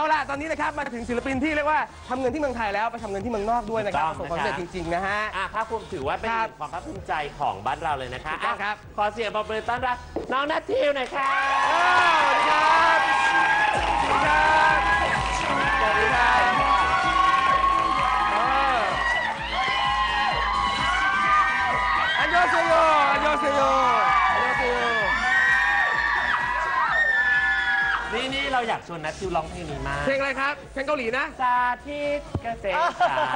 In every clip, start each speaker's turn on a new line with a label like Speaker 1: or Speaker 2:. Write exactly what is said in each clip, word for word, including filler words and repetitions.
Speaker 1: ล่ะตอนนี้นะครับมาถึงศิลปินที่เรียกว่าทำเงินที่เมืองไทยแล้วไปทำเงินที่เมืองนอกด้วยนะครับประสบความสำเร็จจริงๆนะฮะ
Speaker 2: อ่ะภาคภูมิถือว่าเป็นความภาคภูมิใจของบ้านเราเลยนะคะอ่ะครับขอเสียงปรบมือต้อนรับน้องนัททิวหน่อยค่ะ
Speaker 1: สวัสดีครับสวัสดีครับสวัสดีครับอันยอเซโยอันยอเซโยอันยอเซโย
Speaker 2: นี่นี่เราอยากชวนนัททิวร้องเพลงนี้มาก
Speaker 1: เพลงอะไรครับเพลงเกาหลีนะ
Speaker 2: สาธิตเกษตรศาสตร์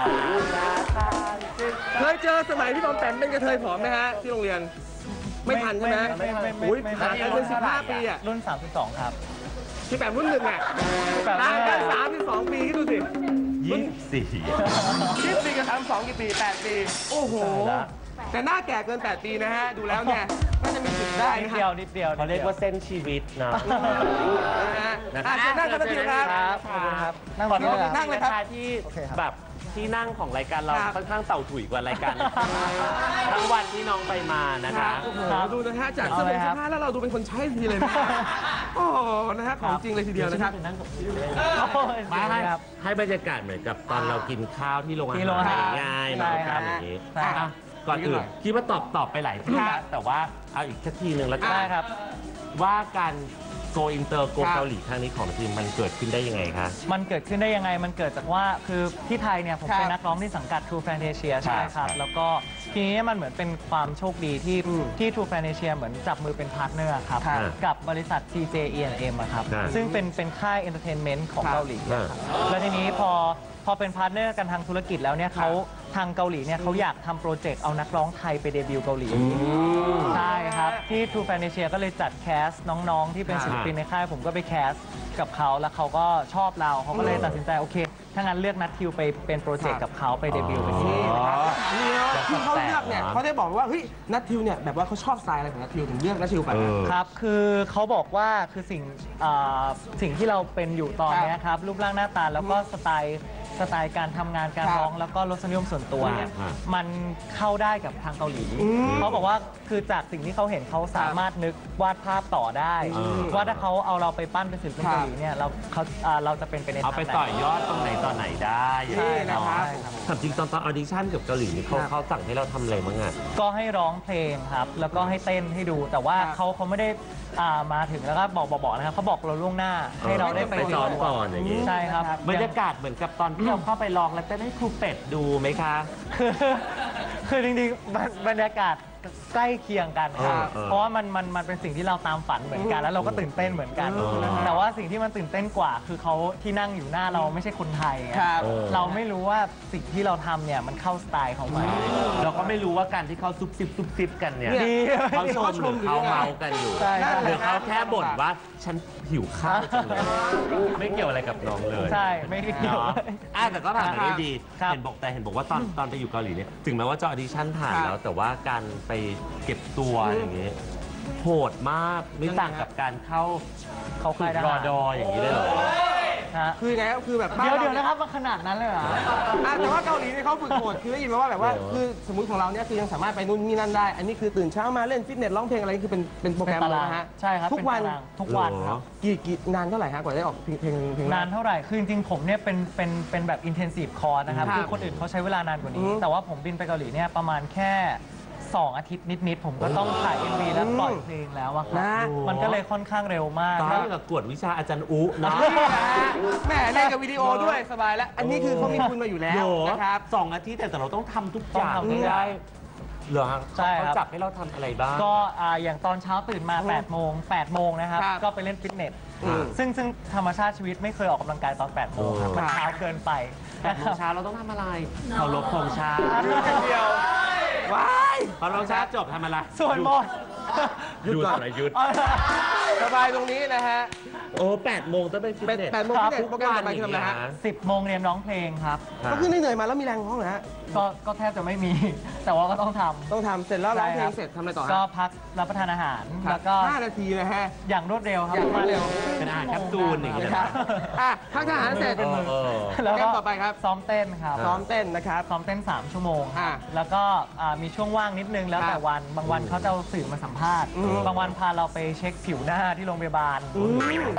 Speaker 1: เคยเจอสมัยที่บอมแปมเป็นกระเทยผอมไหมฮะที่โรงเรียนไม่ทันใช่ไหมอุ้ยผ่านกันเป็นสิบห้าปีอ่ะ
Speaker 3: รุ่นสามสิบสองครับ
Speaker 1: ที่แปมรุ่นหนึ่งอ่ะต่างกันสามสิบสองปีคิดดูสิ
Speaker 2: ยี่สิบสี่
Speaker 1: ยี่สิบสี่กับสามสิบสองกี่ปีแปดปีโอ้โหแต่หน้าแก่เกินแปดปีนะฮะดูแล้วเนี่ยน่าจะมีสิทธิ์ได้
Speaker 3: นิดเดียวนิดเดียว
Speaker 2: เขาเรียกว่าเส้นชีวิตนะ
Speaker 1: นะฮะอ่ะเชิญนั่งกันนะพี่ครับ
Speaker 3: ขอบคุณครับ
Speaker 1: นั่งก่อนนั่งเลยครับ
Speaker 2: ที่แบบที่นั่งของรายการเราค่อนข้างเต่าถุยกว่ารายการทั้งวันที่น้องไปมานะคะ
Speaker 1: โอ้โหดูนะฮะจากเสื้อผ้าแล้วเราดูเป็นคนใช้ทีเลยนะโอ้นะฮะของจริงเลยทีเดียวนะครับ
Speaker 2: มาให้ให้บรรยากาศเหมือนกับตอนเรากินข้าวที่โรงอาหารง่ายๆนะครับอย่างนี้ก่อนอื่นคิดว่าตอบตอบไปหลายทีแล้วแต่ว่าเอาอีกสักทีหนึ่งแล้วกัน
Speaker 3: ครับ
Speaker 2: ว่าการโกอินเตอร์โกเกาหลีครั้งนี้ของทีมมันเกิดขึ้นได้ยังไงคะ
Speaker 3: มันเกิดขึ้นได้ยังไงมันเกิดจากว่าคือที่ไทยเนี่ยผมเป็นนักร้องที่สังกัด True Fantasia ใช่ครับแล้วก็ทีนี้มันเหมือนเป็นความโชคดีที่ที่ True Fantasia เหมือนจับมือเป็นพาร์ทเนอร์ครับกับบริษัท ซี เจ อี แอนด์ เอ็ม ครับซึ่งเป็นเป็นค่ายเอนเตอร์เทนเมนต์ของเกาหลีแล้วทีนี้พอพอเป็นพาร์ทเนอร์กันทางธุรกิจแล้วเนี่ยเขาทางเกาหลีเนี่ยเขาอยากทำโปรเจกต์เอานักร้องไทยไปเดบิวต์เกาหลีใช่ครับที่ True Fantasia ก็เลยจัดแคสน้องๆที่เป็นศิลปินในค่ายผมก็ไปแคสกับเขาแล้วเขาก็ชอบเราเขาก็เลยตัดสินใจโอเคถ้างั้นเลือกนัททิวไปเป็นโปรเจกต์กับเขาไปเดบิวต์เป็นที่
Speaker 1: ที่เขาเลือกเนี่ยเขาได้บอกว่าเฮ้ยนัททิวเนี่ยแบบว่าเขาชอบสไตล์อะไรของนัททิวถึงเลือกนัททิวไป
Speaker 3: ครับคือเขาบอกว่าคือสิ่งสิ่งที่เราเป็นอยู่ตอนนี้ครับรูปร่างหน้าตาแล้วก็สไตล์สไตล์การทำงานการร้องแล้วก็รสนิยมส่วนตัวเนี่ยมันเข้าได้กับทางเกาหลีเขาบอกว่าคือจากสิ่งที่เขาเห็นเขาสามารถนึกวาดภาพต่อได้ว่าถ้าเขาเอาเราไปปั้นเป็นศิลปินเกาหลีเนี่ยเราเขาเราจะเป็นไปในทาง
Speaker 2: เอาไปต่อยอดตรงไหนตอนไหนได้
Speaker 1: ใช่นะครับ
Speaker 2: ถามจริงตอนตอนออดิชั่นกับเกาหลีนี่เขาเขาสั่งให้เราทำอะไรบ้างอ่ะ
Speaker 3: ก็ให้ร้องเพลงครับแล้วก็ให้เต้นให้ดูแต่ว่าเขาเขาไม่ได้มาถึงแล้วก็บอกบอกนะครับเขาบอกเราล่วงหน้าให้เราได้ไป
Speaker 2: ซ้อมก่อนอย่างนี้
Speaker 3: ใช่ครับ
Speaker 2: บรรยากาศเหมือนกับตอนที่เราเข้าไปลองแล้วจะให้ครูเป็ดดูไหมคะ
Speaker 3: คือจริงๆบรรยากาศใกล้เคียงกันครับเพราะว่ามันมันมันเป็นสิ่งที่เราตามฝันเหมือนกันแล้วเราก็ตื่นเต้นเหมือนกันแต่ว่าสิ่งที่มันตื่นเต้นกว่าคือเขาที่นั่งอยู่หน้าเราไม่ใช่คนไทยเราไม่รู้ว่าสิ่งที่เราทำเนี่ยมันเข้าสไตล์ของมัน
Speaker 2: เราก็ไม่รู้ว่าการที่เขาซุบซิบซุบซิบกันเนี่ยเขาชมหรือเขาเมากันอยู่หรือเขาแค่บ่นว่าฉันหิวข้าวจังเลยไม่เกี่ยวอะไรกับน้องเลย
Speaker 3: ใช่ไม่เกี่ยว
Speaker 2: อ่ะแต่ก็ผ่านมาได้ดีเห็นบอกแต่เห็นบอกว่าตอนตอนไปอยู่เกาหลีเนี่ยถึงแม้ว่าจะออดิชั่นผ่านแล้วแต่ว่าการไปเก็บตัวอย่างนี้โหดมากไม่ต่างกับการเข้า
Speaker 3: เข้าค่าย
Speaker 2: รอดออย่างนี้เลยเหรอ
Speaker 1: คือไงก็คือแบบ
Speaker 3: เดี๋ยวเดี๋ยวนะครับมันขนาดนั้นเลยเหรอ
Speaker 1: แต่ว่าเกาหลีเนี่ยเขาฝึกโหดคือได้ยินมาว่าแบบว่าคือสมมติของเราเนี่ยคือยังสามารถไปนู่นนี่นั่นได้อันนี้คือตื่นเช้ามาเล่นฟิตเนสร้องเพลงอะไรคือเป็นเป็นโปรแกรมเลยนะฮะ
Speaker 3: ใช่ครับ
Speaker 1: ทุกวัน
Speaker 3: ทุกวันครับ
Speaker 1: กี่กี่นานเท่าไหร่ฮะกว่าได้ออกเพลงเพลงเพลง
Speaker 3: นานเท่าไหร่คือจริงๆผมเนี่ยเป็นเป็นเป็นแบบ intensive course นะครับคือคนอื่นเขาใช้เวลานานกว่านี้แต่ว่าผมบินไปเกาหลีเนี่ยประมาณแค่สองอาทิตย์นิดๆผมก็ต้องถ่าย เอ็ม วี แล้วปล่อยเพลงแล้วอะครับมันก็เลยค่อนข้างเร็วมาก
Speaker 2: ตอนนี้กับกวดวิชาอาจารย์อุนะ
Speaker 1: แม่เล่นกับวิดีโอด้วยสบายแล้วอันนี้คือเขามีทุนมาอยู่แล้วนะครับ
Speaker 2: สองอาทิตย์แต่เราต้องทำทุกอย่างได้เหรอใช่เขาจับให้เราทำอะไรบ้าง
Speaker 3: ก็อย่างตอนเช้าตื่นมาแปดโมงแปดโมงนะครับก็ไปเล่นฟิตเนสซึ่งซึ่งธรรมชาติชีวิตไม่เคยออกกำลังกายตอนแปดโมงครับมันเช้าเกินไป
Speaker 2: แปดโมงเช้าเราต้องทำอะไรเคารพธงชาติ
Speaker 1: เดียวว้าย
Speaker 2: พอเราชาจบทำอะไร
Speaker 3: ส่วนหมด
Speaker 2: หยุดอะไรหยุด
Speaker 1: สบายตรงนี้นะฮะ
Speaker 2: โอ้แปดโมงต้องไปฟิตเนส
Speaker 1: แปดโมงฟิตเนสโปรแกรมไปทำอะไรฮะ
Speaker 3: สิบโมงเรียนร้องเพลงครับ
Speaker 1: ก็คือเหนื่อยมาแล้วมีแรงร้องเหรอฮะ
Speaker 3: ก็ก็แทบจะไม่มีแต่ว่าก็ต้องทำ
Speaker 1: ต้องทำเสร็จแล้วร้องเพลงเสร็จทำอะไรต่อ
Speaker 3: ก็พักรับประทานอาหารแล้วก็
Speaker 1: ห้านาทีนะฮะ
Speaker 3: อย่างรวดเร็วครับ
Speaker 1: อย่างรวดเร็ว
Speaker 2: เป็นอาหารแคปซูลอย่างเงี้ย
Speaker 1: ครับพักทหารเสร็จ
Speaker 3: แล้วก็
Speaker 1: ต่อไปครับ
Speaker 3: ซ้อมเต้นครับ
Speaker 1: ซ้อมเต้นนะครับ
Speaker 3: ซ้อมเต้นสามชั่วโมงแล้วก็มีช่วงว่างนิดนึงแล้วแต่วันบางวันเขาจะเอาสื่อมาสัมภาษณ์บางวันพาเราไปเช็คผิวหน้าที่โรงพยาบาล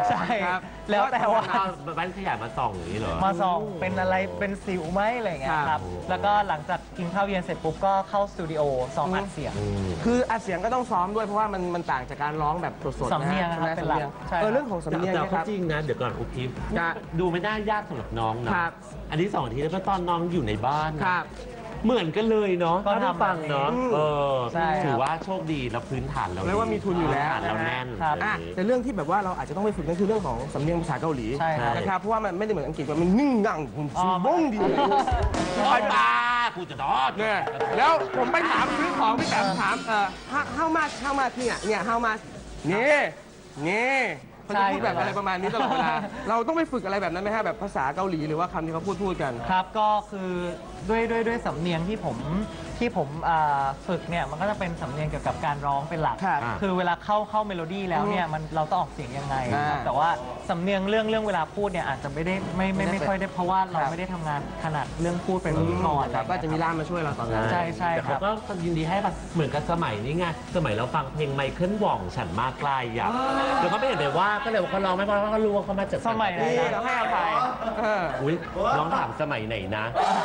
Speaker 3: ใช่
Speaker 1: ครับ
Speaker 3: แล้วแต่ว่า
Speaker 2: เอาแว่นขยายมาส่องอย่างนี้เหรอ
Speaker 3: มาส่องเป็นอะไรเป็นสิวไหมอะไรอย่างเงี้ย
Speaker 1: ค
Speaker 3: ค
Speaker 1: รั
Speaker 3: รับ บ แล้วก็หลังจากกินข้าวเย็นเสร็จปุ๊บก็เข้าสตูดิโอซ้อมอัดเสียง
Speaker 1: คืออัดเสียงก็ต้องซ้อมด้วยเพราะว่ามันมันต่างจากการร้องแบบสดๆ
Speaker 3: สำเนียง
Speaker 1: ะฮะ
Speaker 3: นะครับเป็นหลัก
Speaker 1: สำยง
Speaker 3: ใช่ครับ
Speaker 1: เออเรื่องของสำเนียง
Speaker 2: แต่
Speaker 1: เนย
Speaker 2: ก็
Speaker 1: ครับ
Speaker 2: จริงนะ เดี๋ยวก่อนอุกิฟ
Speaker 1: ครับ
Speaker 2: ดูไม่น่ายากสำหรับน้องนะครับ อันที่สองทีแล้วก็ตอนน้องอยู่ในบ้านนะครับ เหมือนกันเลยเนาะ
Speaker 3: ก็
Speaker 2: ถ้าได้
Speaker 3: ทำ
Speaker 2: ฟังเนาะ
Speaker 1: อืม
Speaker 2: เออ
Speaker 3: ใช่ครับ
Speaker 2: ถือว่าโชคดีแล้วพื้นฐานเรา
Speaker 1: เรียกว่ามีทุนอยู่แล้ว
Speaker 2: พื้ฐานเราแน่น
Speaker 3: ครับ
Speaker 2: อ
Speaker 1: อ่ะ
Speaker 2: ย่างนี้
Speaker 1: แต่เรื่องที่แบบว่าเราอาจจะต้องไปฝึกนั่นคือเรื่องของสำเนียงภาษาเกาหลี
Speaker 3: ใช่ครับ
Speaker 1: นะครับเพราะว่ามันไม่ได้เหมือนอังกฤษว่ามันนิ่งงั่งผม
Speaker 3: อ๋อ
Speaker 1: ซูบ้งดีเลย
Speaker 2: โอ๊ยตากูจะนอน
Speaker 1: เนี่ยแล้วผมไปถามซื้อของพี่แต๋มถามเอ่อ how how much how much เนี่ยเนี่ย how much นี่นี่เขาจะพูดแบบอะไรประมาณนี้ตลอดเวลา เราต้องไปฝึกอะไรแบบนั้นไหมฮะแบบภาษาเกาหลีหรือว่าคำที่เขาพูดพูดกัน
Speaker 3: ครับก็คือด้วยด้วยด้วยสำเนียงที่ผมที่ผมอ่าฝึกเนี่ยมันก็จะเป็นสำเนียงเกี่ยวกับการร้องเป็นหลัก
Speaker 1: ครับ
Speaker 3: คือเวลาเข้าเข้าเมโลดี้แล้วเนี่ยมันเราต้องออกเสียงยังไงครับ
Speaker 1: อ่า
Speaker 3: แต่ว่าสำเนียงเรื่องเรื่องเวลาพูดเนี่ยอาจจะไม่ได้ไม่ไม่ไม่ค่อยได้เพราะว่าเรา
Speaker 1: ครับ
Speaker 3: ไม่ได้ทำงานขนาดเรื่องพูดเป็นพิธีกร
Speaker 1: ครับก็จะมีล่ามมาช่วยเราตอนนั้น
Speaker 3: ใช่ใช่
Speaker 2: แต่
Speaker 3: ครั
Speaker 2: เขา
Speaker 3: บ
Speaker 2: ก็ยินดีให้แบบเหมือนกับสมัยนี้ไง สมัยเราฟังเพลงไมเคิลว่องฉันมาไกลอ่ะแล้วก็ไม่เห็นเลยว่าก็เลยว่าเขาร้องไม่เพราะว่าเขารู้ว่าเขามาจาก
Speaker 3: สมัยไหน
Speaker 1: นี่เราให้อภัยเออ
Speaker 2: อุ้ยร้องถามสมัยไหนนะ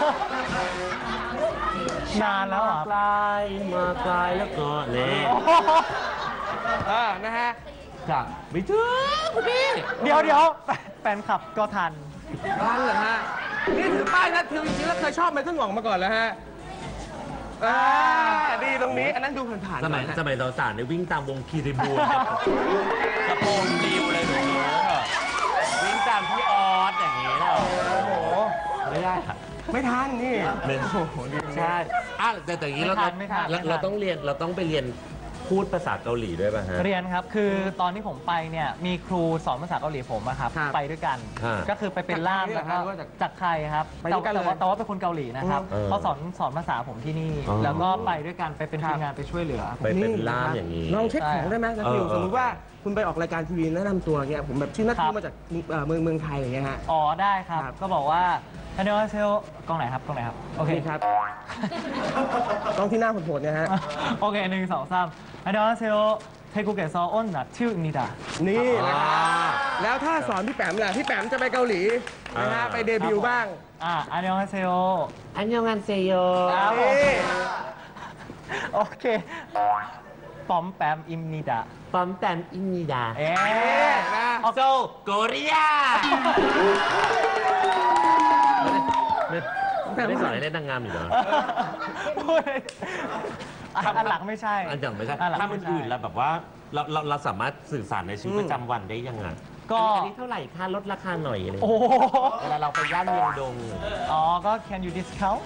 Speaker 3: นานแล้วเหรอ
Speaker 2: ไกลมาไกลแล้วก็เน่
Speaker 1: เออนะฮะ
Speaker 2: ครับไม่ถึงคุณพี่
Speaker 3: เดี๋ยวเดี๋ยวแฟนแฟนคลับก็ทัน
Speaker 1: ทันเหรอฮะ นี่ถือป้ายนัดทิวจริงๆแล้วเคยชอบไมเคิลหว่องมาก่อนแล้วฮะอ่าดีตรงนี้ อันนั้นดูผ่านๆ
Speaker 2: สมัย
Speaker 1: ก่อนฮะ
Speaker 2: สมัยเราสารในยวิ่งตามวงคีรีบูลกระโปรงดิวเลยหนูวิ่งตามพี่ออสอย่างนี้แล้ว
Speaker 1: โอ้โห
Speaker 2: ไม่ได้ค่ะ
Speaker 1: ไม่ทันนี่
Speaker 2: ไม่
Speaker 1: โอ้โหดี
Speaker 2: ใช่อ่ะแต่แต่อย่างนี้เรา
Speaker 3: ไม่ทันไม่ทัน
Speaker 2: เรา
Speaker 3: ไม่ทัน
Speaker 2: เราต้องเรียนเราต้องไปเรียนพูดภาษาเกาหลีด้วยป่ะฮะ
Speaker 3: เรียนครับ คือตอนที่ผมไปเนี่ยมีครูสอนภาษาเกาหลีผมอะครับ
Speaker 1: ครับ
Speaker 3: ไปด้วยกัน
Speaker 2: ฮะ
Speaker 3: ก็คือไปเป็นล่าม
Speaker 1: จากใคร
Speaker 3: แล้วก็
Speaker 1: หรือว่าจาก
Speaker 3: จากใครครับ
Speaker 1: ไปด้วยกัน
Speaker 3: แต่ว่า
Speaker 1: เลย
Speaker 3: แต่ว่าเป็นคนเกาหลีนะครับ
Speaker 2: เออ
Speaker 3: เขาสอนสอนภาษาผมที่นี่
Speaker 2: อ๋อ
Speaker 3: แล้วก็ไปด้วยกันไปเป็น
Speaker 1: ครับ
Speaker 3: ทีมงานไปช่วยเหลือ
Speaker 2: ไปเป็นล่ามอย่างนี้
Speaker 1: ลองเช็คของได้ไหมนัททิว
Speaker 2: เออเออ
Speaker 1: สมมติว่าคุณไปออกรายการทีวีแนะนำตัวเงี้ยผมแบบชื่อนัททิ
Speaker 3: ครั
Speaker 1: ว
Speaker 3: บ
Speaker 1: มาจากเอ่อเมืองเมืองไทยอย่างเงี้ยฮะ
Speaker 3: อ๋อได้ครับ
Speaker 1: ครับ
Speaker 3: ก็บอกว่าฮันเดอร์เซลกล้องไหนครับกล้องไหนครับโอเค
Speaker 1: นี่ครับ ต้องที่หน้าโหดๆเนี่ยฮะ
Speaker 3: โอเคหนึ่งสองสามฮันเดอร์เซลเทกุเกะซออ้นนัททิวนิดา
Speaker 1: นี่นะครับ
Speaker 2: อ่า
Speaker 1: แล้วถ้าสอนพี่แปมล่ะพี่แปมจะไปเกาหลีนะฮะ
Speaker 2: อ่า
Speaker 1: ไปเดบิวต์บ้าง
Speaker 3: อ่าอันยองฮาเซโอ
Speaker 2: อันยองอันเซโย
Speaker 3: ครับผม
Speaker 1: นี่
Speaker 3: โอเคปอมแปมอิมนิดา
Speaker 2: ปอมแปมอินนิดา
Speaker 3: เอ๊
Speaker 1: เอ๊ะ
Speaker 3: ะ
Speaker 1: นะ
Speaker 2: โซโกเรียไม่ได้สอนให้เล่นนางงามอยู่เหรอ
Speaker 3: พูดเลยอ่ะอันหลังไม่ใช่
Speaker 2: อันอย่างไม่ใช่
Speaker 3: อันหลัง
Speaker 2: ถ้า
Speaker 3: ไม่
Speaker 2: มัน
Speaker 3: ใช่
Speaker 2: อื่นแล้วแบบว่าเราเราเราสามารถสื่อสารในชีวิต
Speaker 1: อืม
Speaker 2: ประจำวันได้ยังไง
Speaker 3: ก็
Speaker 2: อันนี้เท่าไหร่ค่าลดราคาหน่อยอะไรอย่าง
Speaker 3: โอ้
Speaker 2: เงี้ย
Speaker 3: โห
Speaker 2: เวลาเราไปย่านเมียงดง
Speaker 3: อ๋อ ก็ can you discount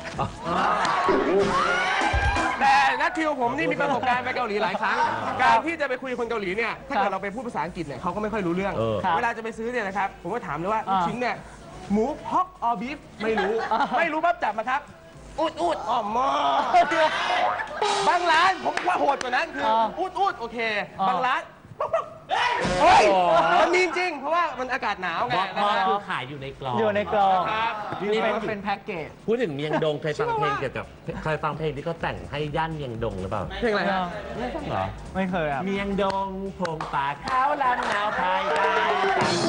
Speaker 1: แต่นัททิวผมนี่มีประสบการณ์ไปเกาหลีหลายครั้ง การที่จะไปคุยกับคนเกาหลีเนี่ย ถ้าเกิดเราไปพูดภาษาอังกฤษเนี่ยเขาก็ไม่ค่อยรู้เรื่อง
Speaker 2: เออ
Speaker 3: ครับ
Speaker 1: เวลาจะไปซื้อเนี่ยนะครับ ผมก็ถามเลยว่า
Speaker 3: อ่า
Speaker 1: ลูกชิ้นเนี่ย หมูฮอกออบีฟไม่รู้
Speaker 3: อ่า
Speaker 1: ไม่รู้ปั๊บจับมาครับ อุดอุดอ๋อมอบางร้านผมว่าโหดกว่านั้นคืออา อุดอุดโอเค
Speaker 3: อ่า
Speaker 1: บางร้านป๊อกป๊อกเฮ้ย
Speaker 2: อ๋อ
Speaker 1: มันมีจริง เพราะว่ามันอากาศหนาวไง
Speaker 2: มอ
Speaker 1: นะ
Speaker 2: มอ
Speaker 1: ฮะ
Speaker 2: คือขายอยู่ในกล่อง
Speaker 3: อยู่ในกล่อง
Speaker 1: ครับ
Speaker 2: นี่
Speaker 3: เป็น
Speaker 2: พูดถึ
Speaker 3: เป็
Speaker 2: ง
Speaker 3: นแพ็กเกจ
Speaker 2: พูดถึงเมียงดงเคยฟังเพลงเกี่ยวกับเคยฟังเพลงที่เขาแต่งให้ย่านเมียงดงหรือเปล่า
Speaker 1: เพลงอะไรฮะ
Speaker 2: ไม่ฟังเหรอ
Speaker 3: ไม่เคยครับ
Speaker 2: เมียงดงพงป่าขาวลำหนาวภายใต้ตัง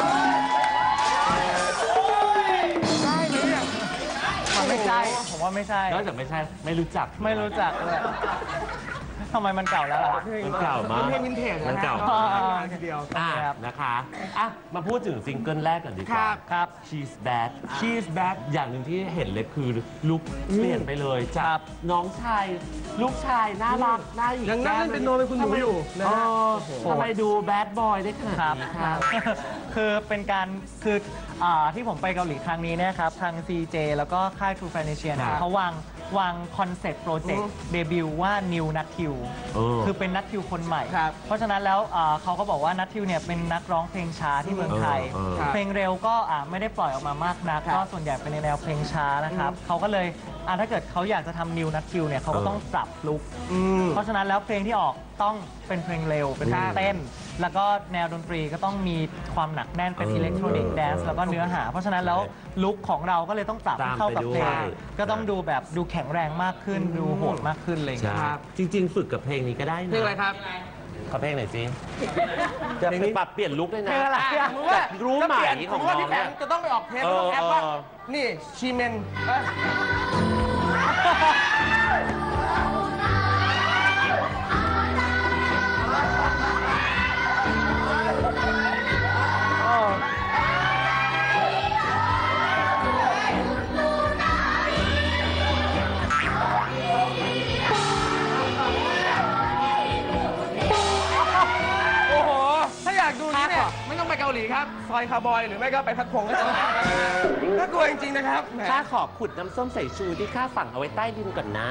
Speaker 1: ได้ไหมเนี่ย
Speaker 3: มันไม่ใช่ ผมว่าไม่ใช่
Speaker 2: นอกจากไม่ใช่ไม่รู้จัก
Speaker 3: ไม่รู้จักเลยทำไมมันเก่าแล้วล่ะ
Speaker 2: มันเก่ามาก
Speaker 1: เพลงวินเทจะฮะ
Speaker 2: มันเก่า
Speaker 1: อ๋อ
Speaker 3: มาก
Speaker 1: ทีเดียว
Speaker 2: อ่ะ
Speaker 3: ครับ
Speaker 2: นะคะอ่ะมาพูดถึงซิงเกิลแรกก่อนดีก
Speaker 1: ครั
Speaker 2: ว่า
Speaker 1: บ
Speaker 3: ครับ
Speaker 2: She's Bad She's Bad อย่างหนึ่งที่เห็นเลยคือลุคเปลี่ยนไปเลยจากน้องชายลูกชายน่ารักน่าหยิก
Speaker 1: ยังนั่งเล่นเป็นโนเป็นคุณหนูอยู่นะ
Speaker 2: อ๋อ
Speaker 1: ฮะ
Speaker 2: ทำไมดูแบดบอยได้ขนาด
Speaker 3: ครับ
Speaker 2: นี้ครับ
Speaker 3: คือเป็นการคืออ่าที่ผมไปเกาหลีครั้งนี้เนะครับ ทาง ซี เจ แล้วก็ค่าย True Financial เนี่
Speaker 2: ค
Speaker 3: ย
Speaker 2: รับ
Speaker 3: เขาวางวางคอนเซ็ปต์โปรเจก
Speaker 1: อื
Speaker 3: ต์
Speaker 1: ม
Speaker 3: เดบิวต์ว่า New นัททิว
Speaker 2: เออ
Speaker 3: คือเป็นนัททิวคนใหม่
Speaker 1: ครับ
Speaker 3: เพราะฉะนั้นแล้วอ่าเขาก็บอกว่านัททิวเนี่ยเป็นนักร้องเพลงช้าที่เมืองไทย
Speaker 2: เออเออ
Speaker 1: ครับ
Speaker 3: เพลงเร็วก็อ่าไม่ได้ปล่อยออกมามากนัก
Speaker 1: ครับ
Speaker 3: ก็ส่วนใหญ่เป็นในแนวเพลงช้านะครับเขาก็เลยอ่าถ้าเกิดเขาอยากจะทำ New นัททิวเนี่ยเขาก็ต้องปรับลุค
Speaker 1: อืม
Speaker 3: เพราะฉะนั้นแล้วเพลงที่ออกต้องเป็นเพลงเร็ว เป็นเพลงเต้น แล้วก็แนวดนตรีก็ต้องมีความหนักแน่นเป็น
Speaker 2: เออ
Speaker 3: อิเล็กทรอนิก
Speaker 2: เอ
Speaker 3: ส์
Speaker 2: อ
Speaker 3: แดนซ์แล้วก็เนื้อหา เพราะฉะนั้นแล้วลุคของเราก็เลยต้องปรับให้เข้ากับเพลง
Speaker 2: ตามไปด้วย
Speaker 3: ก็ต้องดูแบบดูแข็งแรงมากขึ้น ดูโหดมากขึ้นอะไรอย่าง
Speaker 2: ใช่
Speaker 3: เลย
Speaker 1: ครับ
Speaker 2: จริง ๆ ฝึกกับเพลงนี้ก็ได้นะ
Speaker 1: เพลงอะไรครับ
Speaker 3: ก
Speaker 2: ขอเพลงหน่อยสิจะไปปรับเปลี่ยนลุคด้วยนะ
Speaker 3: เพลงอะไร
Speaker 1: อ่ะสมมติว่า
Speaker 2: รู้ไหม
Speaker 1: จะเปลี่ยน
Speaker 2: ของ
Speaker 1: สมมติว่า
Speaker 2: น้
Speaker 1: พี่
Speaker 2: อง
Speaker 1: แป
Speaker 2: เนี่
Speaker 1: ม
Speaker 2: ย
Speaker 1: จะต้องไปออกเทปแล้วต้องแอปว่า
Speaker 2: เออ
Speaker 1: นี่ชีเมนเอ้ย โอ้โห ถ้าอยากดูนี้เนี่ยไม่ต้องไปเกาหลีครับ ซอยคาร์บอยหรือไม่ก็ไปพัดพงก็จะน่ากลัวจริงๆนะครับแหม
Speaker 2: ข้าขอขุดน้ำส้มสายชูที่ข้าฝังเอาไว้ใต้ดินก่อนนะ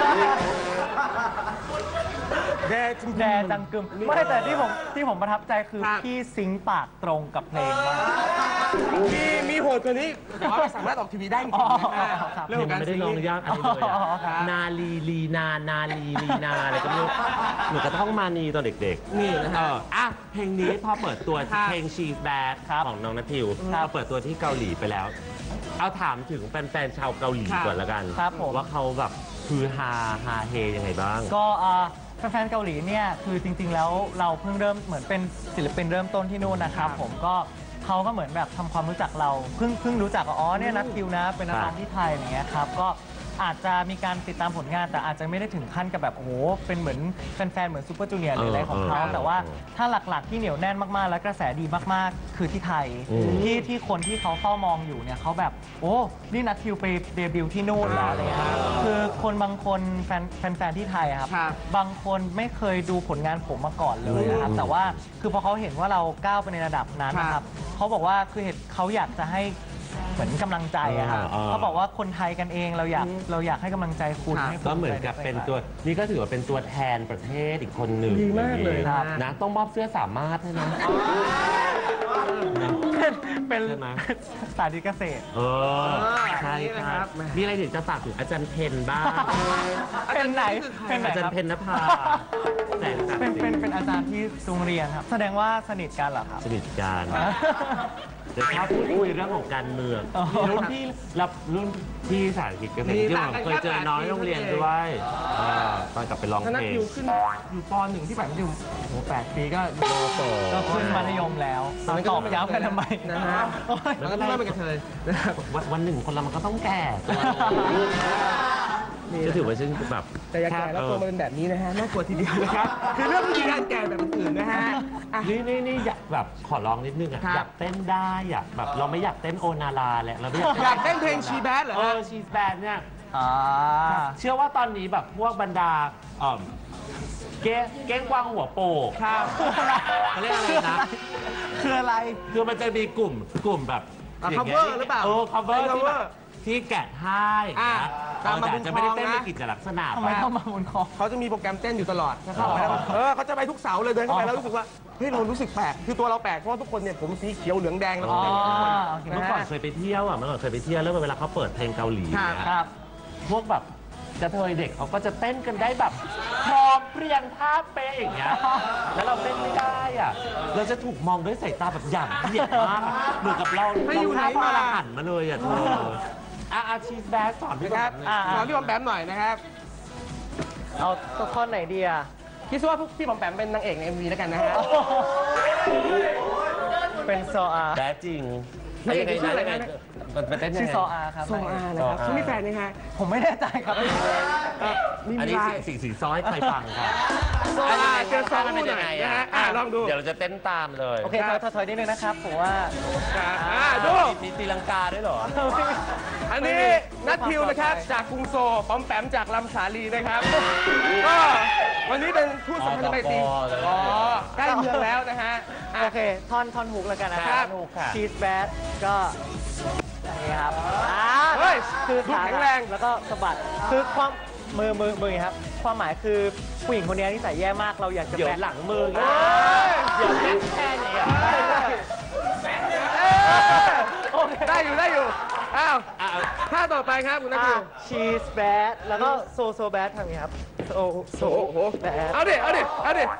Speaker 1: แดจริงๆ
Speaker 3: แดจังกึมไม่แต่ที่ผมที่ผมประทับใจคือ
Speaker 1: ครับ
Speaker 3: พี่ซิงค์ปากตรงกับเพลงมาก
Speaker 1: มีมีโหดกว่านี้แต่ว่าไม่สามารถออกทีวีได้จริงๆนะฮะ
Speaker 3: อ๋อครับ
Speaker 1: เรื่องของการ
Speaker 2: ไม่ได้
Speaker 1: ซิง
Speaker 2: ลอง
Speaker 1: ค์
Speaker 2: ยากอะไรเลยอะ
Speaker 3: อ๋อครับ
Speaker 2: นาลีลีนา นาลีลีนาอะไรก็ไม่รู้หนูกระท่องมานีตอนเด็กๆ
Speaker 1: นี่นะ
Speaker 2: เอ
Speaker 1: ฮะ
Speaker 2: ออ่ะเพลงนี้พอเปิดตัว
Speaker 1: ครับ
Speaker 2: เพลง She's Bad ของน้องนัททิว
Speaker 3: ครับ
Speaker 2: พอเปิดตัวที่เกาหลีไปแล้ว เอาถามถึงแฟนๆชาวเกาหลี
Speaker 1: ครับ
Speaker 2: ก่อนละกัน
Speaker 3: ครับผม
Speaker 2: ว่าเขาแบบคือฮาฮาเฮยังไงบ้าง
Speaker 3: ก็อ่าแฟนๆเกาหลีเนี่ยคือจริงๆแล้วเราเพิ่งเริ่มเหมือนเป็นศิลปินเริ่มต้นที่นู่นนะครับ ผมก็เขาก็เหมือนแบบทำความรู้จักเราเพิ่งเพิ่งรู้จักว่าอ๋อเนี่ยนัททิวนะเป็นนักร้องที่ไทยอย่างเงี้ยครับก็อาจจะมีการติดตามผลงานแต่อาจจะไม่ได้ถึงขั้นกับแบบโอ้โหเป็นเหมือนแฟนๆเหมือนซูเปอร์จูเนียร์หรืออะไรของเขา
Speaker 2: เออเออ
Speaker 3: แต่ว่าถ้าหลักๆที่เหนียวแน่นมากๆ และกระแสดีมากๆ คือที่ไทย
Speaker 2: อืม
Speaker 3: ที่ที่คนที่เขาเฝ้ามองอยู่เนี่ยเขาแบบโอ้นี่นัททิวไปเดบิวต์ที่นู่นแล้วอะไรเงี้ยคือคนบางคนแฟนแฟนๆที่ไทยอะครับ
Speaker 1: ครับ
Speaker 3: บางคนไม่เคยดูผลงานผมมาก่อนเลยนะครับ แต่ว่าคือพอเขาเห็นว่าเราก้าวไปในระดับนั้นนะค
Speaker 1: ครั
Speaker 3: รับบ เขาบอกว่าคือเหตุเขาอยากจะให้เหมือนกำลังใจอะครับ
Speaker 2: อ่าอ่า
Speaker 3: เขาบอกว่าคนไทยกันเองเราอยากเราอยากให้กำลังใจคุณ
Speaker 1: ครับ
Speaker 3: ให้ภู
Speaker 2: ก็เหมือน
Speaker 3: ใจ
Speaker 2: กับเป็น
Speaker 3: ใ
Speaker 2: ตัวนี่ก็ถือว่าเป็นตัวแทนประเทศอีกคนหนึ่ง
Speaker 1: ดีมากเลย
Speaker 2: นะ
Speaker 1: ครับ
Speaker 2: นะต้องมอบเสื้อสามารถให้นะนะ
Speaker 3: เป็น
Speaker 2: ใช่ไหม
Speaker 3: สาธิตเกษตร
Speaker 2: เออใช่
Speaker 1: นี่นะ
Speaker 2: ค
Speaker 1: ครั
Speaker 2: รับบ มีอะไรถึงจะฝากถึงอาจารย์เพนบ้าง
Speaker 3: เป็นไหนเป็นไหน
Speaker 2: อาจาร
Speaker 3: ครั
Speaker 2: ย์
Speaker 3: บ
Speaker 2: เพนนภาแสงศัก
Speaker 3: เป็น
Speaker 2: ดิ์ศ
Speaker 3: เป็น
Speaker 2: รี
Speaker 3: เป็นอาจารย์ที่โรงเรียนครับ แสดงว่าสนิทกันเหรอครับ
Speaker 2: สนิทกันจะชอบพูดคุยเรื่องของการเมือง
Speaker 3: อ๋อ
Speaker 2: มีรุ่นพี่รับรุ่นพี่สาธิตเกษตร
Speaker 1: มี
Speaker 2: ที่
Speaker 1: ต่าง
Speaker 2: ผม
Speaker 1: กัน
Speaker 2: เคยเจอน้องที่โรงเรียนด้วยอ่าตอนกลับไปร้อง
Speaker 1: ถ้านัก
Speaker 2: เพลง
Speaker 1: อยู่ขึ้นอยู่ปหนึ่งที่แบบอยู่โอ้โหแปดปีก็
Speaker 3: ก็ขึ้นมัธยมแล้วตอบย้ำกันทำไม
Speaker 1: นะฮะแล้วก็ไม่เป็นกระเทยนะครับ
Speaker 2: วันวันหนึ่งคนเรามันก็ต้องแก่จะถือว่าฉันแบบ
Speaker 1: แต่อย่าแก่แล้วตัวมันเป็นแบบนี้นะฮะน่ากลัวทีเดียวนะครับ คือเรื่องวิธีการแก่แบบอื่นๆนะฮะอ่ะ
Speaker 2: นี่นี่นี่อยากแบบขอร้องนิดนึงอะ
Speaker 1: ครับ
Speaker 2: อยากเต้นได้อยากแบบเราไม่อยากเต้นโอนาราแหละเราไม่อยาก
Speaker 1: อยากเต้นเพลงชีแบดเหรอ
Speaker 2: เอ
Speaker 1: ฮะ
Speaker 2: อชีสแบนเนี่ย
Speaker 3: อ่า
Speaker 2: เชื่อว่าตอนนี้แบบพวกบรรดาเอ่อเก้งเก้งกวางหัวโปก
Speaker 1: ครับ
Speaker 2: เขาเรียกอะไรนะ
Speaker 3: คืออะไร
Speaker 2: คือมันจะมีกลุ่มกลุ่มแบบ
Speaker 1: อ่ะ
Speaker 2: ย่างงี้ย
Speaker 1: cover หรือเปล่า
Speaker 2: เออ cover
Speaker 1: เป็น
Speaker 2: ที่แบบ
Speaker 1: cover
Speaker 2: ที่แกะให้
Speaker 1: อ่ะ
Speaker 2: นะ
Speaker 1: ตามมา
Speaker 2: เออ
Speaker 1: บุญ
Speaker 2: แต่จะไม่ได้
Speaker 1: ครอง
Speaker 2: เต้น
Speaker 1: นะ
Speaker 2: ในกิจลักษณะ
Speaker 3: ทำไมต้องมาบนคอ
Speaker 1: เขาจะมีโปรแกรมเต้นอยู่ตลอดถ้าเข้าไปแล้วเออเขาจะไปทุกเสาร์เลยเดินเข้าไปแล้วรู้สึกว่าเฮ้ยเรารู้สึกแปลกคือตัวเราแปลกเพราะว่าทุกคนเนี่ยผมสีเขียวเหลืองแดงแล้วก็แต่งทุกคน
Speaker 3: โอเค
Speaker 2: เมื่อก่อนเคยไปเที่ยวอ่ะเมื่อก่อนเคยไปเที่ยวแล้วเวลาเขาเปิดเพลงเกาหลี
Speaker 1: ครับ
Speaker 2: เนี่ย
Speaker 3: ครับ
Speaker 2: พวกแบบกระเทยเด็กเขาก็จะเต้นกันได้แบบพร้อมเพรียงท่าเป๊ะอย่างเงี้ย แล้วเราเต้นไม่ได้อ่ะ เราจะถูกมองด้วยสายตาแบบหยาบเหยียดมากอะเหมือนกับเรา
Speaker 1: ไม่อยู่ไหน
Speaker 2: เรา
Speaker 1: มา
Speaker 2: ท่าพระอรหันต์มาเลยอ่ะเธออ่ะอาชีพแบดสอนพี่
Speaker 1: นะครับ
Speaker 2: หน่อย
Speaker 3: อ่ะ
Speaker 1: ขอพี่บอมแปมหน่อยนะครับ
Speaker 3: เอาตัวท่อนไหนดีอ่ะ
Speaker 1: คิดซะว่าพวกพี่บอมแปมเป็นนางเอกใน เอ็ม วีแล้วกันนะฮะ
Speaker 3: เป็นโซอา
Speaker 2: แบดจริง
Speaker 1: นางเอกชื่ออะไรนะ
Speaker 2: ยังไงมันเป็นเต้นยัง
Speaker 3: ชื่อ
Speaker 2: ไง
Speaker 3: โซอาครับ
Speaker 1: โซอานะครับเขามีแฟนไหมฮะ
Speaker 3: ผมไม่แน่ใจครับ
Speaker 1: เอ่อมี
Speaker 2: อัน
Speaker 1: มี
Speaker 2: นี้
Speaker 1: ไล
Speaker 2: สี
Speaker 1: น์
Speaker 2: สีสีซ้อยใครฟังครับ
Speaker 1: โซอาเจอซอง
Speaker 2: มัน
Speaker 1: ห
Speaker 2: เป็น
Speaker 1: น่
Speaker 2: ยั
Speaker 1: อง ย
Speaker 2: ไง
Speaker 1: นะ
Speaker 2: อ่ะ
Speaker 1: ฮะอ่ะลองดู
Speaker 2: เดี๋ยวเราจะเต้นตามเลย
Speaker 3: โอเคถอยถอยถอยนิดนึงนะครับ ผมว่า
Speaker 1: ครับอ่ะดู
Speaker 2: มีตีลังกาด้วยเหรอ
Speaker 1: อันนี้นัททิวนะครับจากกรุงโซลปอมแปมจากลำสาลีนะครับก็วันนี้เป็นทูตสัมพันธไมตรี
Speaker 2: อ๋อ
Speaker 1: อ๋อใกล้เมืองแล้วนะฮะอ่ะ
Speaker 3: โอเค ท่อนท่อนฮุกแล้วกันนะค
Speaker 1: ครั
Speaker 3: รั
Speaker 1: บบ
Speaker 2: ฮุกค่ะ
Speaker 3: ชีสแบดก็อย่างนี้ครับอ่า
Speaker 1: เฮ้ย
Speaker 3: คือ
Speaker 1: ดู
Speaker 3: ขา
Speaker 1: แข็งแรง
Speaker 3: แล้วก็สะบัดคือความมือมือมือครับ ความหมายคือผู้หญิงคนนี้นิสัยแย่มากเราอยากจะ
Speaker 2: เดี๋ยว
Speaker 3: แบะ
Speaker 2: หลังมือ
Speaker 1: เฮ้ย
Speaker 2: เดี๋ยวแค่แค่นี้อ่ะ
Speaker 1: เอ้ยได้อยู่ได้อยู่อ้าว
Speaker 2: อ่ะ
Speaker 1: ท่าต่อไปครับคุณนัททิว
Speaker 3: ชีสแบดแล้วก็โซโซแบดทำอย่างนี้ครับโซโซ
Speaker 1: โอ้โห
Speaker 3: แบด
Speaker 1: เอาดิเอาดิเอาดิ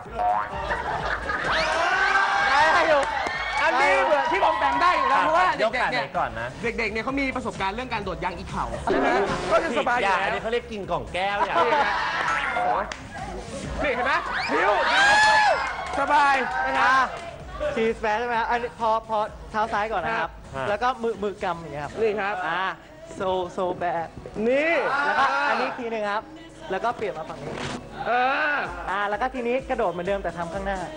Speaker 3: ได้อยู่
Speaker 1: อันนี้เหมือนที่บอมแปมได้อยู่แล้วเพราะว่าย
Speaker 2: ก
Speaker 1: เด็ก
Speaker 2: ขา
Speaker 1: ๆ
Speaker 2: ไหน
Speaker 1: เนี่ย
Speaker 2: ก่อนนะ
Speaker 1: เด็กๆเนี่ยเขามีประสบการณ์เรื่องการโดดยางอีเข่านะฮะก็จะสบายอ
Speaker 2: อย่ ย่า
Speaker 1: แล้
Speaker 2: อัน
Speaker 1: ว
Speaker 2: นี้เขาเรียกกินกล่องแก้วอย่าง
Speaker 1: นี่ฮะโอ้ยนี่เห็นไหมหิวสบายนะครับ
Speaker 3: ชีสแบดใช่ไหมครับอันนี้พอพอเท้าซ้ายก่อนนะครับ
Speaker 2: ครับ
Speaker 3: แล้วก็มือมือกำอย่างเงี้ยครับ
Speaker 1: นี่ครับ
Speaker 3: อ่าโซโซแบด
Speaker 1: นี่
Speaker 3: แล้วก็อันนี้ทีหนึ่งครับ แล้วก็เปลี่ยนมาฝั่งนี้
Speaker 1: เออ
Speaker 3: อ่าแล้วก็ทีนี้กระโดดเหมือนเดิมแต่ทำข้างหน้า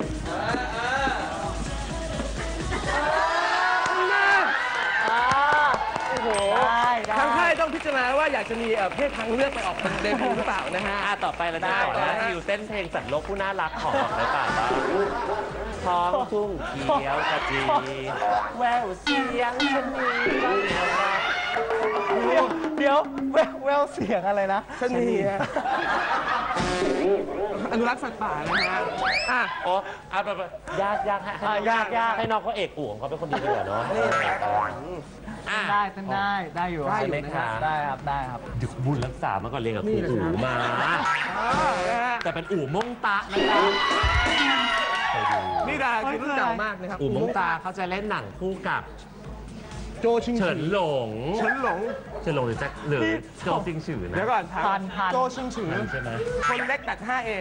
Speaker 3: อ่าโอ้โหได้ได้
Speaker 1: ทางค่ายต้องพิจารณาว่าอยากจะมีเอ่อเพศทางเลือกไปออกเป็นเดบิวต์หรือเปล่านะฮะ
Speaker 2: อ่ะต่อไปเราจะขอ
Speaker 1: ได้
Speaker 2: นะ
Speaker 1: ได้
Speaker 2: คิวเต้นเพลงสัตว์โลกผู้น่ารักของในป่าบ้างท้องทุ่งเขียวขจีแววเสียงชะนี
Speaker 3: เดี๋ยวเดี๋ยวแววแววเสียงอะไรนะ
Speaker 1: ชะนีฮะอนุรักษ์สัตว์ป่านะฮะอ่ะ
Speaker 2: โอ้เอาไปไปยากยากให้
Speaker 3: อ่ะยากยาก
Speaker 2: ให้น้องเขาเอกอู่ของเขาเป็นคนดีดีกว่าเนาะอ่ะ
Speaker 3: ได้เต้นได้ได้อยู่
Speaker 1: ได้อยู่
Speaker 2: ไหม
Speaker 1: นะ
Speaker 2: คะ
Speaker 1: ฮะ
Speaker 3: ได้ครับได้ครับ
Speaker 2: เดี๋ยวบุญรักษามาก่อนเรียนกับครูอู่มา
Speaker 1: อ่านะฮะ
Speaker 2: แต่เป็นอู่มงตะนะคะเคยดู
Speaker 1: นี่ดาคือรุ่นเก่ามากนะครับ
Speaker 2: อู่มงตาเขาจะเล่นหนังคู่กับ
Speaker 1: โจชิง
Speaker 2: เฉินหลง
Speaker 1: เฉินหลง
Speaker 2: เฉินหลงหรือแจ็คหรือโจซิงฉือนะ
Speaker 1: เดี๋ยวก่อนถาม
Speaker 3: พันพัน
Speaker 1: โจชิงฉือ
Speaker 2: ใช่ไหม
Speaker 1: คนเล็กตัด ห้าเอ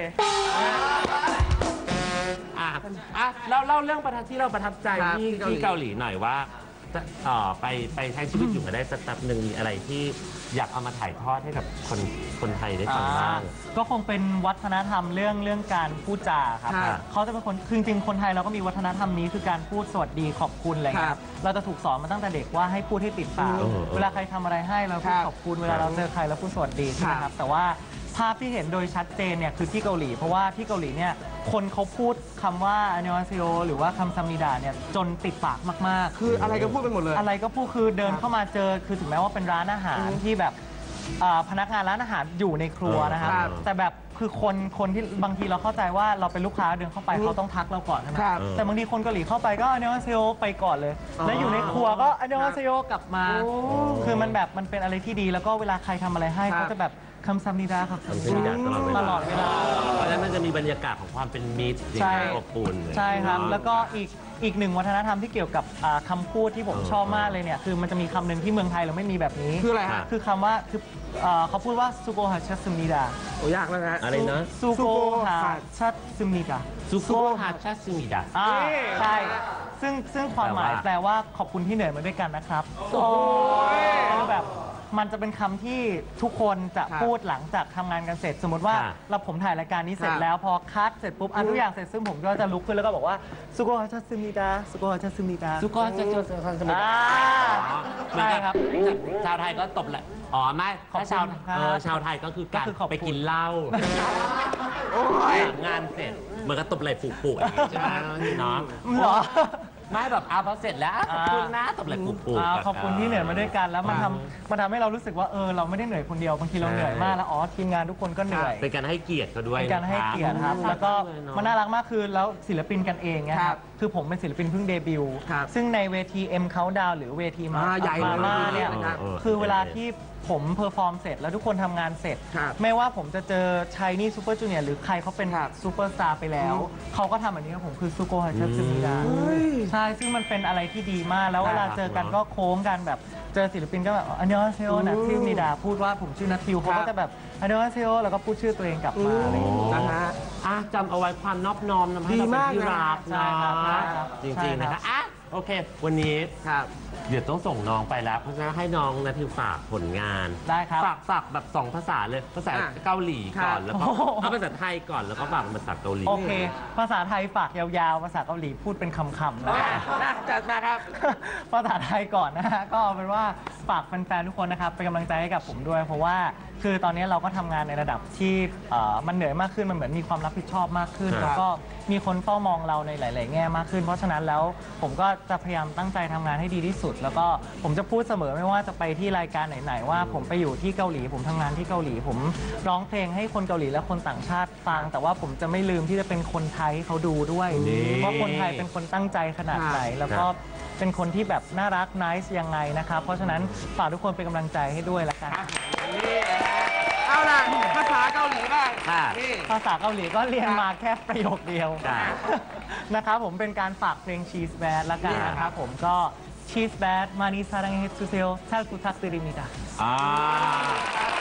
Speaker 2: อ่ะอ่ะเล่าเล่าเรื่องประทับที่เราประทับใจ
Speaker 1: ครับ
Speaker 2: ที่
Speaker 1: ที่
Speaker 2: ที่
Speaker 1: เกา
Speaker 2: เกา
Speaker 1: ห
Speaker 2: ห
Speaker 1: ลี
Speaker 2: ลีหน่อยว่าจะเอ่อไปไปใช้ชีวิตอยู่มาได้สักแป๊บหนึ่งมีอะไรที่อยากเอามาถ่ายทอดให้กับคนคนไทยได้ฟังบ้าง
Speaker 3: ก็คงเป็นวัฒนธรรมเรื่องเรื่องการพูดจาครับ
Speaker 1: ครับ
Speaker 3: เขาจะเป็นคนคือจริงๆคนไทยเราก็มีวัฒนธรรมนี้คือการพูดสวัสดีขอบคุณอะไรอย่างเงี้ย
Speaker 1: ครับ
Speaker 3: เราจะถูกสอนมาตั้งแต่เด็กว่าให้พูดให้ติดปาก
Speaker 2: เออ
Speaker 3: เวลาใครทำอะไรให้เราพูด
Speaker 1: ครับ
Speaker 3: ขอบคุณเวลาเราเจอใครเราพูดสวัสดีใช่ไหม
Speaker 1: ค
Speaker 3: ค
Speaker 1: รั
Speaker 3: รับ บแต่ว่าภาพที่เห็นโดยชัดเจนเนี่ยคือที่เกาหลี เพราะว่าที่เกาหลีเนี่ยคนเขาพูดคำว่าอันยองอาเซโยหรือว่าคำซัมนิดาเนี่ยจนติดปากมากๆ
Speaker 1: คืออะไรก็พูดไปหมดเลย
Speaker 3: อะไรก็พูดคือเดินเข้ามาเจอคือถึงแม้ว่าเป็นร้านอาหารที่แบบอ่าพนักงานร้านอาหารอยู่ในครัวนะครับ
Speaker 1: ครับ
Speaker 3: แต่แบบคือคนคนที่บางทีเราเข้าใจว่าเราเป็นลูกค้าเดินเข้าไป
Speaker 1: อืม
Speaker 3: เขาต้องทักเราก่อนใช่ไหม
Speaker 1: ครับ
Speaker 3: แต่บางทีคนเกาหลีเข้าไปก็อันยองอาเซโยไปก่อนเลย
Speaker 1: อ๋อ
Speaker 3: แล้วอยู่ในครัวก็อันยองอาเซโยกลับมา
Speaker 1: โอ้
Speaker 3: คือมันแบบมันเป็นอะไรที่ดีแล้วก็เวลาใครทำอะไรให้
Speaker 1: ครับ
Speaker 3: เขาจะแบบคำซัมนิดาครับ
Speaker 2: คำซัมนิดาตลอดเวลา
Speaker 3: ตลอดเวลา
Speaker 2: เพราะฉะนั้นมันจะมีบรรยากาศของความเป็นมิตร
Speaker 3: ใช่
Speaker 2: อบอุ่น
Speaker 3: ใช่ครับ
Speaker 2: เนาะ
Speaker 3: แล้วก็อีกอีกหนึ่งวัฒนธรรมที่เกี่ยวกับอ่าคำพูดที่ผม
Speaker 2: เออ
Speaker 3: ชอบมากเลยเนี่ยคือมันจะมีคำหนึ่งที่เมืองไทยเราไม่มีแบบนี้
Speaker 1: คืออะไรฮะ
Speaker 3: คือคำว่าคือเอ่อเขาพูดว่าซูโกฮาชัตซึมนิดา
Speaker 1: โอ้ยากแล้วนะฮะ
Speaker 2: อะไรนะ
Speaker 3: ซูโกฮาชัตซึมนิดา
Speaker 2: ซุโกฮาชาซึมิดะ
Speaker 3: อ่า
Speaker 1: นี่
Speaker 3: ใช่ซึ่งซึ่งความหมาย
Speaker 2: แปลว่า
Speaker 3: แปลว่าขอบคุณที่เหนื่อยมาด้วยกันนะครับคือแบบมันจะเป็นคำที่ทุกคนจะ
Speaker 1: ครับ
Speaker 3: พูดหลังจากทำงานกันเสร็จ สมมติว่า
Speaker 2: ค่ะ
Speaker 3: เราผมถ่ายรายการนี้เสร็จ
Speaker 1: ครับ
Speaker 3: แล้วพอคัดเสร็จปุ๊บอันทุกอย่างเสร็จซึ่งผมก็จะลุกขึ้นแล้วก็บอกว่าซูโกฮาชัตซึมนิดาซูโกฮาชัตซึมนิดา
Speaker 2: ซุโกฮาชาซึมิดะ
Speaker 3: อ่า
Speaker 2: เหมือน
Speaker 3: ใช่
Speaker 2: กับ
Speaker 3: ครับ
Speaker 2: ชาวไทยก็ตบแหละอ๋อไม่
Speaker 3: ขอบ
Speaker 2: ถ้า
Speaker 3: คุณ
Speaker 2: ชาว
Speaker 3: ครับ
Speaker 2: เออชาวไทยก็คือการ
Speaker 3: ก็คือขอบคุณ
Speaker 2: ไปกินเหล้า
Speaker 1: โอ้ย
Speaker 2: หลังงานเสร็จเหมือนกับตบไหล่ผูกๆอย่างงี้ใช่ไหมเนาะ
Speaker 3: เหรอ
Speaker 2: ไม่แบบอาพอเสร็จแล้วขอบคุณนะตบไหล่ผูก
Speaker 3: อ่า
Speaker 2: ๆ
Speaker 3: ขอบคุณที่เหนื่อยมาด้วยกันแล้วมัน
Speaker 2: ครั
Speaker 3: ทำ
Speaker 2: บ
Speaker 3: มันทำให้เรารู้สึกว่าเออเราไม่ได้เหนื่อยคนเดียวบางทีเรา
Speaker 2: ใช่
Speaker 3: เหนื่อยมากแล้วอ๋อทีมงานทุกคนก็เหนื่อย
Speaker 2: เป็นการให้เกียรติเขาด้วย
Speaker 3: เป็นการให้เกียรติครับ
Speaker 2: นะะ
Speaker 3: แล้วก็
Speaker 2: เลยเอะ
Speaker 3: มันน่ารักมากคือแล้วศิลปินกันเองเนย
Speaker 1: ค
Speaker 3: ค
Speaker 1: รั
Speaker 3: รับ บคือผมเป็นศิลปินเพิ่งเดบิวต์
Speaker 1: ครับ
Speaker 3: ซึ่งในเวที M Countdown หรือเวทีมา
Speaker 1: อ่าใหญ่
Speaker 3: มาม่าเนี่ย
Speaker 1: เลยนะครับ
Speaker 3: คือเวลาที่ผมเพอร์ฟอร์มเสร็จแล้วทุกคนทำงานเสร็จ
Speaker 1: ครับ
Speaker 3: ไม่ว่าผมจะเจอชายนี่ซูเปอร์จูเนียร์หรือใครเขาเป็น
Speaker 1: ครับ
Speaker 3: ซูเปอร์สตาร์ไปแล้ว
Speaker 1: อืม
Speaker 3: เขาก็ทำแบบนี้กับผมคือซูโกฮัชัตซึมิดา
Speaker 1: เฮ้ย
Speaker 3: ใช่ ซึ่งมันเป็นอะไรที่ดีมาก แล้วเวลาเจอกันก็โค้งกันแบบ เจอศิลปินก็แบบอันยองเซโอนัททิวนิดา พูดว่าผมชื่อนัททิวเขาก็จะแบบอันยองเซโอแล้วก็พูดชื่อตัวเองกลับมาอะไรอย่างเงี้ย
Speaker 1: นะฮะ
Speaker 2: อ่ะจำเอาไว้ความนอบน้อมทำให้
Speaker 1: ดี
Speaker 2: เราเป็น
Speaker 1: มาก
Speaker 2: ที่
Speaker 1: นะ
Speaker 2: รัก
Speaker 3: ใช่ครับใช่ครับ
Speaker 2: จริงๆ
Speaker 3: ใช่
Speaker 2: นะ
Speaker 3: ครั
Speaker 2: คะ
Speaker 3: บ
Speaker 2: อ่ะโอเค วันนี้
Speaker 1: ครับ
Speaker 2: เดี๋ยวต้องส่งน้องไปแล้ว เพราะฉะนั้นให้น้องนาทิวฝากผลงาน
Speaker 3: ได้ครับ
Speaker 2: ฝากฝากแบบสองภาษาเลย ภาษา
Speaker 1: อ่ะ
Speaker 2: เกาหลีก่อน
Speaker 1: ครับ
Speaker 2: แล้วก็
Speaker 3: โอ้โห
Speaker 2: เอาภาษาไทยก่อนแล้วก็ฝากเป็นภาษาเกาหลี
Speaker 3: โอเค ภาษาไทยฝากยาวๆ ภาษาเกาหลีพูดเป็นคำๆนะ
Speaker 1: นะจัดมาครับ
Speaker 3: ภาษาไทยก่อนนะฮะ ก็เอาเป็นว่าฝากแฟนๆ ทุกคนนะครับ เป็นกำลังใจให้กับผมด้วย เพราะว่าคือตอนนี้เราก็ทำงานในระดับที่เอ่อมันเหนื่อยมากขึ้น มันเหมือนมีความรับผิดชอบมากขึ้น
Speaker 2: ครับ
Speaker 3: แล้วก็มีคนเฝ้ามองเราในหลาย ๆ แง่มากขึ้น เพราะฉะนั้นแล้วผมก็จะพยายามตั้งใจทำงานให้ดีที่สุด แล้วก็ผมจะพูดเสมอไม่ว่าจะไปที่รายการไหน ๆ ว่าผมไปอยู่ที่เกาหลี ผมทำงานที่เกาหลี ผมร้องเพลงให้คนเกาหลีและคนต่างชาติฟัง แต่ว่าผมจะไม่ลืมที่จะเป็นคนไทยให้เขาดูด้วย
Speaker 2: นี่
Speaker 3: ว่าคนไทยเป็นคนตั้งใจขนาดไหน แล้วก็
Speaker 2: ครับ
Speaker 3: เป็นคนที่แบบน่ารักน่ายังไงนะครับ เพราะฉะนั้นฝากทุกคนเป็นกำลังใจให้ด้วยละกัน
Speaker 1: นี่เอาล่ะภาษาเกาหลีบ้าง
Speaker 2: ค่ะ
Speaker 1: นี่
Speaker 3: ภาษาเกาหลีก็เรียนมาแค่ประโยคเดียว
Speaker 2: จ้ะ
Speaker 3: นะครับผมเป็นการฝากเพลง Cheese Bad ละกันนะครับผมก็ Cheese Bad 많이 사랑해 주세요 잘 부탁드립니다
Speaker 2: อ่า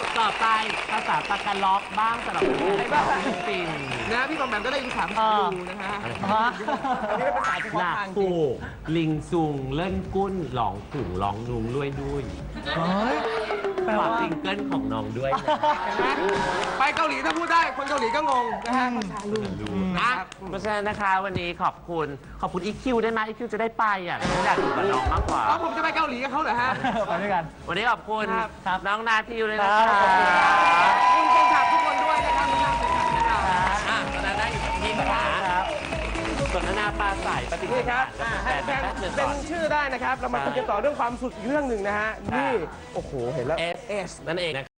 Speaker 2: ต่อไปภาษาตะกันล็อกบ้างสำหรับผู้
Speaker 1: อะไรบ้าง
Speaker 2: ฟิลิปปินส์
Speaker 1: นะพี่บอมแบมก็ได้ภาษาภาษาดูนะฮะ
Speaker 3: ฮะ
Speaker 1: อันนี้เป็นภาษาเฉพาะ
Speaker 2: หนัก
Speaker 1: ทางจริ
Speaker 2: ผู
Speaker 1: ง
Speaker 2: กลิงซุงเล่นกุ้นหลองถุงร้องนุงด้วยด้วย
Speaker 3: เฮ้ยแปล
Speaker 2: ฝา
Speaker 3: ว่า
Speaker 2: กซิงเกิลของน้องด้วยนะ
Speaker 1: เห็นไหมไปเกาหลีถ้าพูดได้คนเกาหลีก็งงนะฮะภาษาลูก
Speaker 2: นะ เพราะฉะนั้นนะคะวันนี้ขอบคุณขอบคุณอีคิวได้ไหมอีคิวจะได้ไปอ่ะฉันอยากอยู่กับน้องมากกว่า
Speaker 1: อ๋อผมจะไปเกาหลีกับเขาเหรอฮะ
Speaker 3: ไปด้วยกัน
Speaker 2: วันนี้ขอบคุณ
Speaker 1: ครับ
Speaker 3: ครับ
Speaker 2: น้องนาทิวเลยนะ
Speaker 3: ครั
Speaker 2: คะ
Speaker 3: บขอบคุณครับ
Speaker 1: คุณแฟนคลับทุกคนด้วยนะครับที่นั่งเป็นแฟนคลับนะครับ
Speaker 2: อ่ะตอนนั้นได้อยู่กับพี่ขา
Speaker 3: ครับ
Speaker 2: สนทนาปลาใสปฏิ
Speaker 1: นี่ครับ
Speaker 2: กับ
Speaker 1: อ่า
Speaker 2: แฟ
Speaker 1: ให้
Speaker 2: น
Speaker 1: แฟน
Speaker 2: แป๊บหนึ่ง
Speaker 1: เป็
Speaker 2: ก่
Speaker 1: น
Speaker 2: อน
Speaker 1: ชื่อได้นะครับ เรามาคุยกันต่อเรื่องความสุขอีกเรื่องหนึ่งนะฮะ นี่ โอ้โห เห็นแล้ว
Speaker 2: เอส นั่นเองนะ